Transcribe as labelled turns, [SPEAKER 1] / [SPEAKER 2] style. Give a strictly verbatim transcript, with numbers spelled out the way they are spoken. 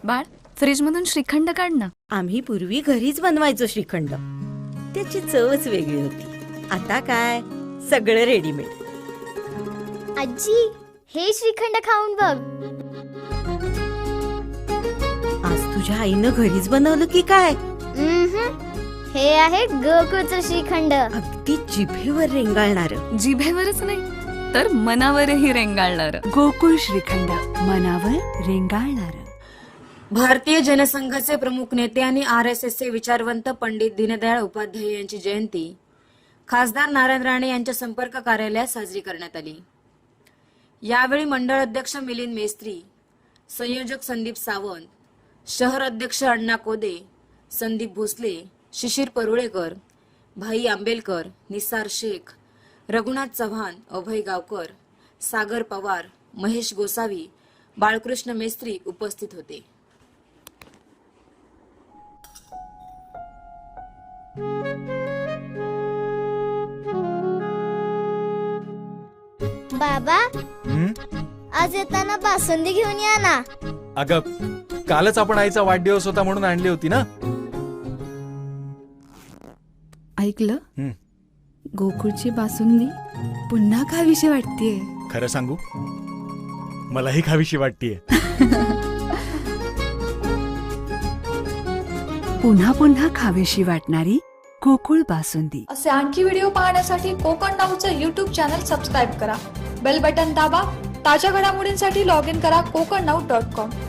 [SPEAKER 1] बाळ, फ्रीज मधून श्रीखंड काढ ना.
[SPEAKER 2] आम्ही पूर्वी घरीच बनवायचो श्रीखंड. त्याची चवच वेगळी होती. आता काय सगळं रेडीमेड.
[SPEAKER 3] आजी, हे श्रीखंड खाऊन बघ.
[SPEAKER 2] आज तुझ्या आईनं घरीच बनवलं की काय?
[SPEAKER 3] उम्हम. हे आहे गोकुळचं श्रीखंड.
[SPEAKER 2] अगदी जिभेवर रेंगाळणार.
[SPEAKER 1] जिभेवरच नाही तर मनावरही रेंगाळणार.
[SPEAKER 4] गोकुळ श्रीखंड, मनावर रेंगाळणार.
[SPEAKER 5] भारतीय जनसंघाचे प्रमुख नेते आणि आर एस एसचे विचारवंत पंडित दीनदयाळ उपाध्याय यांची जयंती खासदार नारायण राणे यांच्या संपर्क कार्यालयात साजरी करण्यात आली. यावेळी मंडळ अध्यक्ष मिलिंद मेस्त्री, संयोजक संदीप सावंत, शहर अध्यक्ष अण्णा कोदे, संदीप भोसले, शिशिर परुळेकर, भाई आंबेलकर, निसार शेख, रघुनाथ चव्हाण, अभय गावकर, सागर पवार, महेश गोसावी, बाळकृष्ण मेस्त्री उपस्थित होते.
[SPEAKER 3] बाबा,
[SPEAKER 6] हं?
[SPEAKER 3] आज येताना बासुंदी घेऊन या ना.
[SPEAKER 6] अगं, कालच आपण आईचा वाढदिवस होता म्हणून आणली होती ना.
[SPEAKER 4] ऐकलं?
[SPEAKER 6] हं.
[SPEAKER 4] गोकुळची बासुंदी पुन्हा खावीशी वाटतेय.
[SPEAKER 6] खरं सांगू, मलाही खावीशी वाटतीये.
[SPEAKER 4] पुन्हा पुन्हा खावीशी वाटणारी गोकुळ बासुंदी.
[SPEAKER 7] असे आणखी व्हिडिओ पाहण्यासाठी कोकण नाऊचं यूट्यूब चॅनल सबस्क्राईब करा. बेल बटन दाबा. ताज्या घडामोडींसाठी लॉग इन करा कोकण नाऊ डॉट कॉम.